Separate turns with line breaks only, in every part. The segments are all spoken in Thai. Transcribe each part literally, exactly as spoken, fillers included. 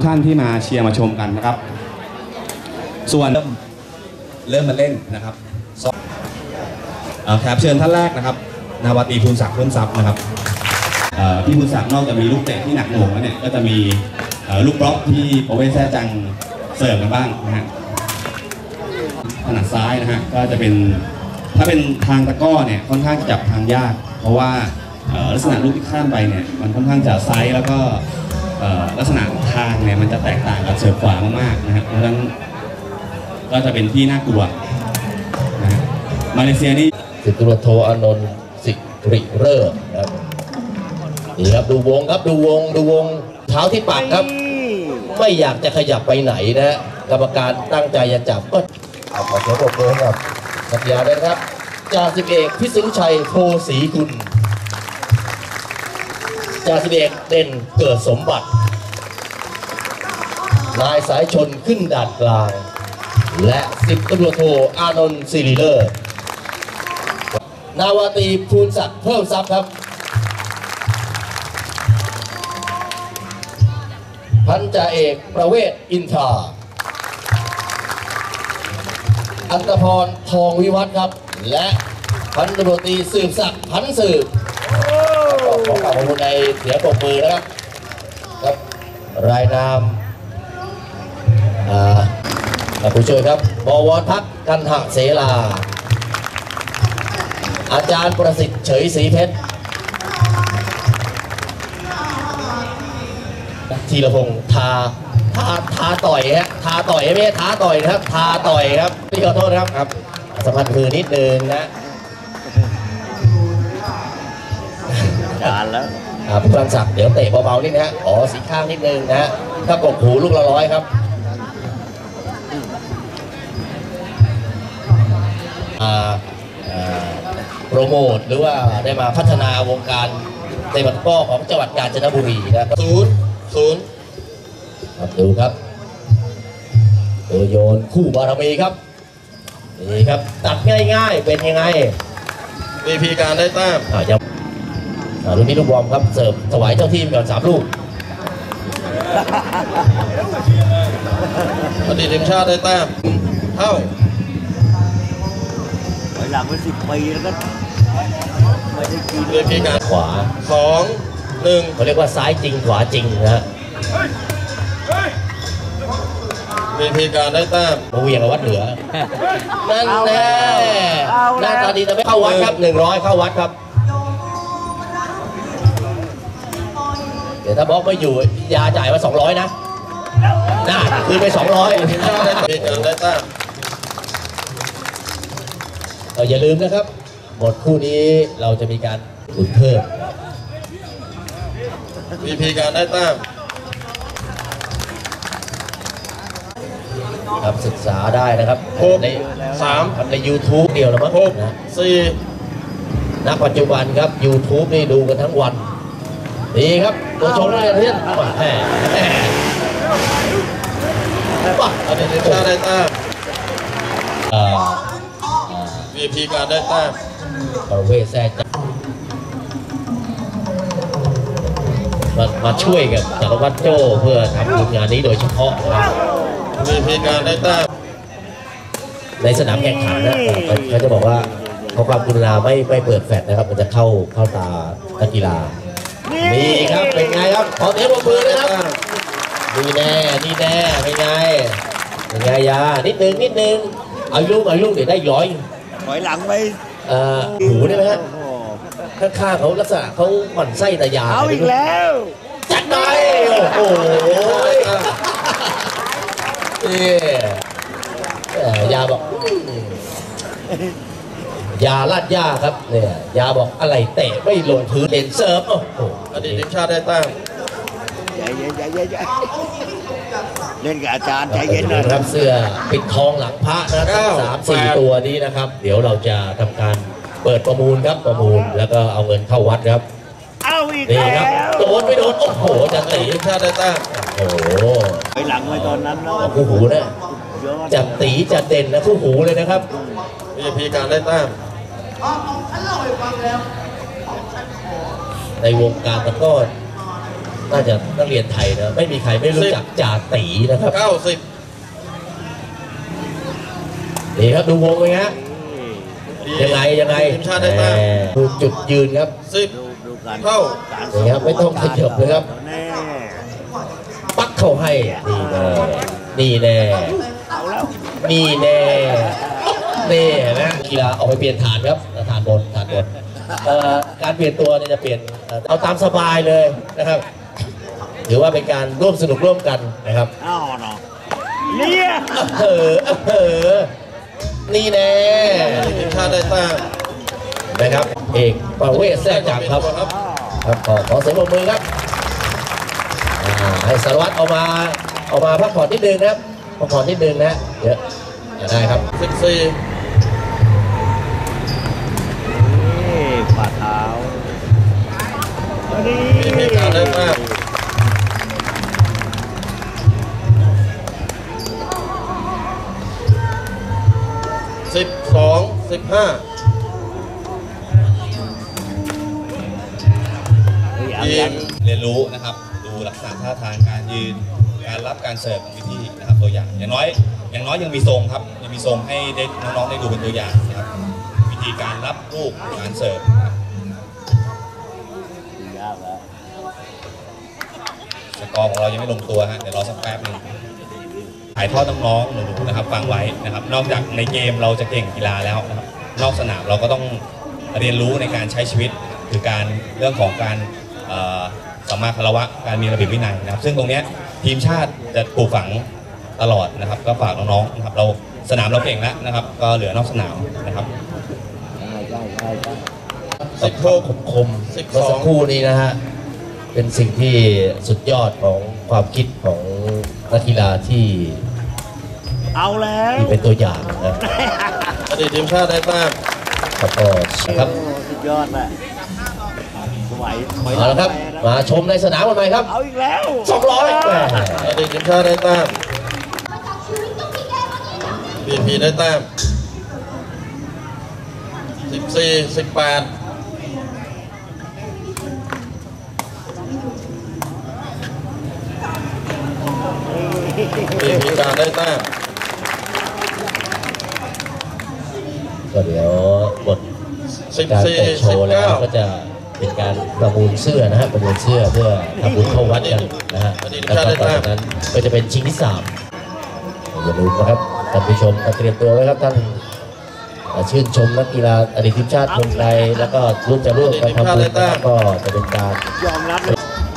ท่านที่มาเชียร์มาชมกันนะครับส่วนเริ่มมาเล่นนะครับแขกเชิญท่านแรกนะครับนาวาตรีภูลศักดิ์เพิ่มทรัพย์นะครับพี่ภูลศักดิ์นอกจากมีลูกเตะที่หนักหน่วงแล้วเนี่ยก็จะมีลูกบล็อกที่โอเว่นแซ่จังเสิร์ฟกันบ้างนะฮะถนัดซ้ายนะฮะก็จะเป็นถ้าเป็นทางตะก้อเนี่ยค่อนข้างจะจับทางยากเพราะว่าลักษณะลูกที่ข้ามไปเนี่ยมันค่อนข้างจะไซส์แล้วก็ลักษณะทางเนี่ยมันจะแตกต่างกับเสิร์ฟขวามากๆนะฮะเพราะฉะนั้นก็จะเป็นที่น่ากลัวนะฮะมาเลเซียนี่
สิบตำรวจโทอานนท์สิริเริ่มครับนี่ครับดูวงครับดูวงดูวงเท้าที่ปากครับไม่อยากจะขยับไปไหนนะฮะกรรมการตั้งใจจะจับก็เอาขอเสียงปรบมือครับสัญญาได้ครับจ่าสิบเอกพิษณุชัยโพศรีกุลจ่าสิบเอกเด่นเกิดสมบัตินายสายชนขึ้นดาดกลางและสิบตำรวจโทอานนท์สิริเลิศนาวาตรีภูลศักดิ์เพิ่มทรัพย์ครับพันจ่าเอกประเวศอินทราอัตพรทองวิวัฒน์ครับและพันตำรวจตรีสืบศักดิ์พันสืบขอขอบคุณในเสียงปรบมือนะครับครับรายนามผู้ช่วยครับบวรพักกันหเสลาอาจารย์ประสิทธิ์เฉยศรีเพชรธีรพงษ์ทาทาทาต่อยฮะทาต่อยไม่ใช่ท้าต่อยนะครับทาต่อยครับพี่ขอโทษครับครับสัมพันธ์มือนิดนึงนะจานแล้วผู้กำลังศักดิ์เดี๋ยวเตะเบาๆนิดนะฮะอ๋อสีข้างนิดนึงนะฮะถ้ากบหูลูกละร้อยครับโปรโมทหรือว่าได้มาพัฒนาวงการเตะตะกร้อของจังหวัดกาญจนบุรีนะครับศูนย์ศูนย์ครับดูครับตัวโยนคู่บารมีครับนี่ครับตัดง่ายๆเป็นยังไงวีพีการได้แต้มอ่ายังอ่าลูกนี้ลูกบอลครับเสิร์ฟถวายเจ้าทีมก่อนสามลูกอดีตทีมชาติได้แต้มเท่าหลังมาสิบปีแล้วก็ไม่ได้กินเลยพี่การขวาสองหนึ่งเขาเรียกว่าซ้ายจริงขวาจริงนะฮะมีพีการได้แต้มมาเวียงกับวัดเหนือนั่นแน่หน้าตาดีแต่ไม่เข้าวัดครับหนึ่งร้อยเข้าวัดครับเดี๋ยวถ้าบล็อกไม่อยู่ยาจ่ายมาสองร้อยนะน่าคืนไปสองร้อยมีการได้แต้มอย่าลืมนะครับหมดคู่นี้เราจะมีการหลุดเพิ่มวีพีการได้แต้มครับศึกษาได้นะครับในสามใน ยูทูบ เดียวแล้วมั้งนะสี่ณปัจจุบันครับ ยูทูบ นี่ดูกันทั้งวันดีครับตัวชงได้เพื่อนแหมแหมป่ะอันนี้ชาได้แต้มวีพีการได้แต้มประเวศแซ่จังมามาช่วยกับจักรวรรดิโจ้เพื่อทำงานนี้โดยเฉพาะนะครับวีพีการได้แต้มในสนามแข่งขันนะเขาจะบอกว่าเขาความกรุณาไม่ไม่เปิดแฟลชนะครับมันจะเข้าเข้าตานักกีฬานี่ครับเป็นไงครับขอเสียงปรบมือนะครับนี่แน่นี่แน่เป็นไงเป็นไงยานิดนึงนิดนึงเอาลูกเอาลูกเดี๋ยวได้ย้อยถอยหลังไปเอ่อหูได้ไหมฮะข้างๆเขาลักษณะเขาหมั่นไส้แต่ยาเอาอีกแล้วจัดไปโอ้โหนี่ยาบอกยาลาดยาครับเนี่ยยาบอกอะไรเตะไม่ลงพื้นเล่นเซิร์ฟโอ้โหอดีตทีมชาติได้ตั้งใจเย็นใจเย็นเล่นกับอาจารย์ใจเย็นนะครับเสื้อปิดทองหลังพระนะครับสามสี่ตัวนี้นะครับเดี๋ยวเราจะทำการเปิดประมูลครับประมูลแล้วก็เอาเงินเข้าวัดครับเอาอีกนี่ครับโดนไม่โดนโอ้โหจะตีทีมชาติได้ตั้งโอ้โหไปหลังไว้ตอนนั้นเนาะคู่หูนะจัดตีจัดเด่นนะคู่หูเลยนะครับมีพีการได้ตั้งในวงการตะก้อน่าจะนักเรียนไทยนะไม่มีใครไม่รู้จักจ่าตีนะครับเก้าสิบนี่ครับดูวงเลยฮะยังไงยังไงทีมชาติได้แต้มดูจุดยืนครับสิบเข้านี่ครับไม่ต้องขยับเลยครับปักเข้าให้นี่แน่นี่แน่นี่แน่นะกีฬาออกไปเปลี่ยนฐานครับฐานบนฐานบนการเปลี่ยนตัวเนี่ยจะเปลี่ยนเอาตามสบายเลยนะครับถือว่าเป็นการร่วมสนุกร่วมกันนะครับเนี่ยเออเออนี่แน่ทีมชาติได้แต้มนะครับเอกประเวศแทรกจังครับครับขอขอเสียงปรบมือครับให้สารวัตรเอามาเอามาพักผ่อนนิดนึงนะครับพักผ่อนนิดนึงนะเยอะได้ครับสิบสี่ฝ่าเท้านี่มีการได้แต้มสิบสองสิบห้า
เรียนรู้นะครับดูลักษณะท่าทางการยืนการรับการเสิร์ฟวิธีนะครับตัวอย่างอย่างน้อยอย่างน้อยยังมีทรงครับยังมีทรงให้ได้น้องๆได้ดูเป็นตัวอย่างนะครับวิธีการรับลูกการเสิร์ฟสกอร์ของเรายังไม่ลงตัวฮะเดี๋ยวรอสักแป๊บนึงถ่ายทอดน้องๆหนูๆนะครับฟังไว้นะครับนอกจากในเกมเราจะเก่งกีฬาแล้วนะครับนอกสนามเราก็ต้องเรียนรู้ในการใช้ชีวิตคือการเรื่องของการสัมมาคารวะการมีระเบียบวินัยนะครับซึ่งตรงนี้ทีมชาติจะปลูกฝังตลอดนะครับก็ฝากน้องๆนะครับเราสนามเราเก่งแล้วนะครับก็เหลือนอกสนามนะครับ
สิบโคมคมเมื่อสักครู่นี้นะฮะเป็นสิ่งที่สุดยอดของความคิดของนักกีฬาที่
เอาแล้ว
ที่เป็นตัวอย่างนะ
อดีตทีมชาติได้แต้ม
ครับก็ครับ
สุดยอดแหละ
เอาละครับมาชมในสนามกันไหมครับ
เอาอีกแล้ว
สองร้อย
อดีตทีมชาติได้แต้มบีพีได้แต้มสิบสี่สิบแปดบีพีการได้แต้ม
ก็เดี๋ยวบทการเปิดโชว์แล้วก็จะเป็นการประมูลเสื้อนะฮะประมูลเสื้อเพื่อทำบุญเข้าวัดกันนะฮะแล้วก็ต่อจากนั้นก็จะเป็นชิงที่สามอย่าลืมนะครับท่านผู้ชมเตรียมตัวไว้ครับท่านชื่นชมนักกีฬาอดีตทีมชาติคนไทยแล้วก็ร่วมจะร่วมกันทำบุญก็จะเป็นการ
ยอมรับ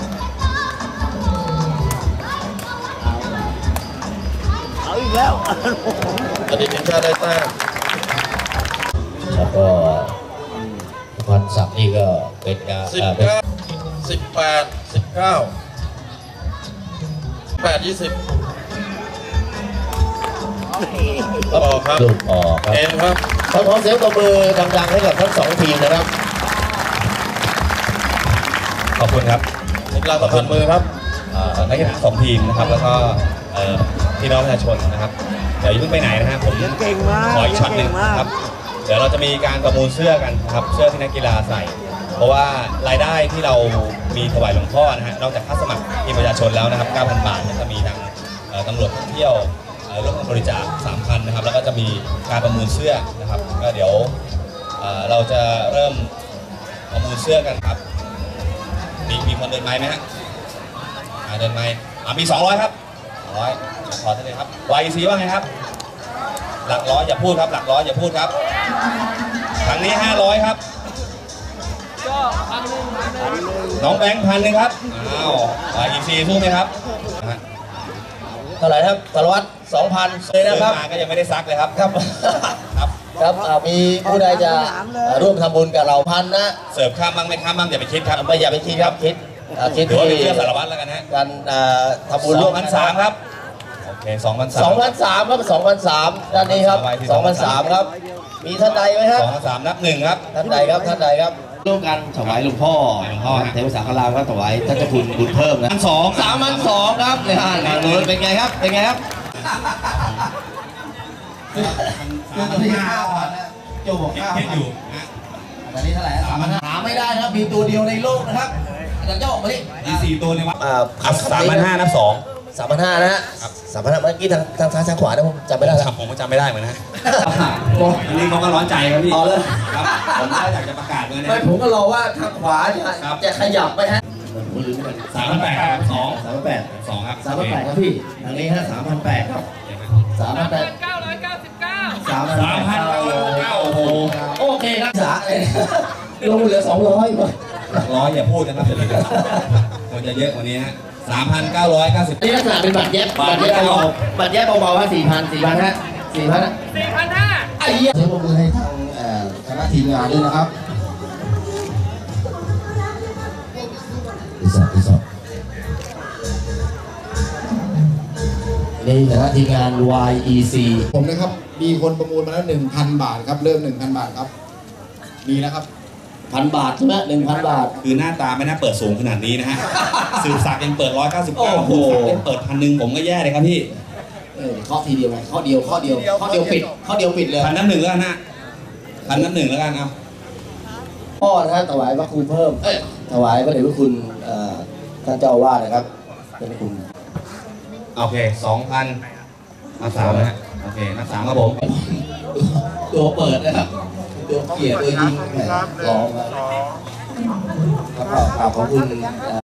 เอาอีกแล้ว
อดีตทีมชาติได้แต้มแล้วก็พันศักดิ์นี่ก็เป็นการสิบเก้าสิบแปดสิบเก้าแปดยี่สิบออกครับลูกออกครับเอ็มครับขอเสียงตบมือดังๆให้กับทั้งสองทีมนะครับ
ขอบคุณครับ
นักกีฬาตบมือครับ
นักกีฬาสองทีมนะครับแล้วก็พี่น้องประชาชนนะครับเดี๋ยวอย่าเพิ่งไปไหนนะฮะผมขออีกช็อตหนึ่งครับเดี๋ยวเราจะมีการประมูลเสื้อกันครับเสื้อที่นักกีฬาใส่เพราะว่ารายได้ที่เรามีถวายหลวงพ่อนะฮะนอกจากค่าสมัครทีมประชาชนแล้วนะครับ เก้าพัน บาทจะมีทางตำรวจท่องเที่ยวร่วมบริจาค สามพัน นะครับแล้วก็จะมีการประมูลเสื้อนะครับก็เดี๋ยวเราจะเริ่มประมูลเสื้อกันครับมีมีคนเดินไม้ไหมฮะเดินไม้มีสองร้อยครับสองร้อยขอได้เลยครับ วาย อี ซี ว่าไงครับหลักร้อยอย่าพูดครับหลักร้อยอย่าพูดครับครั้งนี้ห้าร้อยครับน้องแบงค์พันหนึ่งครับอ้าววาย อี ซี สู้ไหมครับ
เท่าไหร่ครับสารวัตรสองพันเลยนะครับ
ก็ยังไม่ได้ซักเลยครับครับ
ครับครับมีผู้ใดจะร่วมทำบุญกับเราพันนะ
เสิร์ฟข้ามบ้างไม่ข้ามบ้างอย่าไปคิดครับ
ไม่อย่าไปคิดครับคิด
คิดที่เชื่อสารวัตรแล้วกันฮะ
การทำบุญร่วม
กันสามครับโอเคสองพันสาม
สองพันสามครับสองพันสามด้านนี้ครับสองพันสามครับมีท่านใดไหมครับ
สองพันสามนับหนึ่งครับ
ท่านใดครับท่านใดครับร่วมกันถวายหลวงพ่อหลวงพ่อเทวสาครามก็ถวายท่านเจ้าคุณบุญเพิ่มนะ
สอง
สามพันสองครับเนี่ยงานนู้นเป็นไงครับเป็นไงครับคือตัวที่ห้าพันโจบอกห้าพันอยู่ตอนนี้เท่าไหร่สามพันหาไม่ได้ครับมีตัวเดียวในโลกนะครับหลังเจ้าออกมาดิ
อีสี่ตัวในวัด
อ่า
ครับสามพันห้านับสอง
สามพันห้านะฮะสามพันห้าเมื่อกี้ทางทางซ้ายทางขวานะผมจำไม่ได้แล้ว
ครับผมก็จำไม่ได้เหมือนนะอันนี้เขาก็ร้อนใจครับพี่
อ๋อเลย
ครับผมก็อยากจะประกาศเลยนะ
ไม่ผมก็รอว่าทางขวาจะจะขยับไหมฮะ
สามพันแปดครับสอง
สามพันแปด
สองครับ
สามพันแปดครับพี่ทางนี้ฮะสามพันแปดครับสามพันแปด
เก้าร้อยเก้าสิบเก้า
สามพัน
สามพันเก้าโอ้โห
โอเคครับสาเลยลงเหลือสองร้อยกว่า
ร้อยอย่าพูดนะครับเดี๋ยวนี้มันจะเยอะกว่านี้ฮะสามพันเก้าร้อยเก้าสิบ
นี่ลักษณะเป็นบัตรแยบบัตรแยบเบาๆบัตรแยบเบาๆฮะสี่พันสี่พันฮะสี่พัน
สี่พันห้า
ไอ้เหี้ย
เสียงปรบมือให้ทางเอ่อคณะทีมงานด้วยนะครับดีสอบดีสอบนี่คณะทีมงาน วาย อี ซี
ผมนะครับ มีคนประมูลมาแล้วหนึ่งพันบาทครับ เริ่มหนึ่งพันบาทครับ มีแล้วครับ
พันบาทใช่ไหมหนึ่งพันบาท
คือหน้าตาไม่น่าเปิดสูงขนาดนี้นะฮะสืบศักดิ์ยังเปิดร้อยเก้าสิบเก้า
โอ้โห
สืบศักดิ์ยังเปิดพันหนึ่งผมก็แย่เลยครับพี่
เออข้อทีเดียวไงข้อเดียวข้อเดียวข้อเดียวปิดข้อเดียวปิดเลย
พันน้ำหนึ่งแล้วกันนะพันน้ำหนึ่งแล้วกันเอา
พ่อนะฮะถวายพระคุณเพิ่มเอ้ยถวายพระเดชพระคุณเอ่อท่านเจ้าอาวาสนะครับเป็นคุณ
โอเคสองพันนับสามนะฮะโอเคนับสามครับผม
ตัวเปิดนะครับตัวเกียร์ตัวยิงแหมร้องครับครับขอบคุณ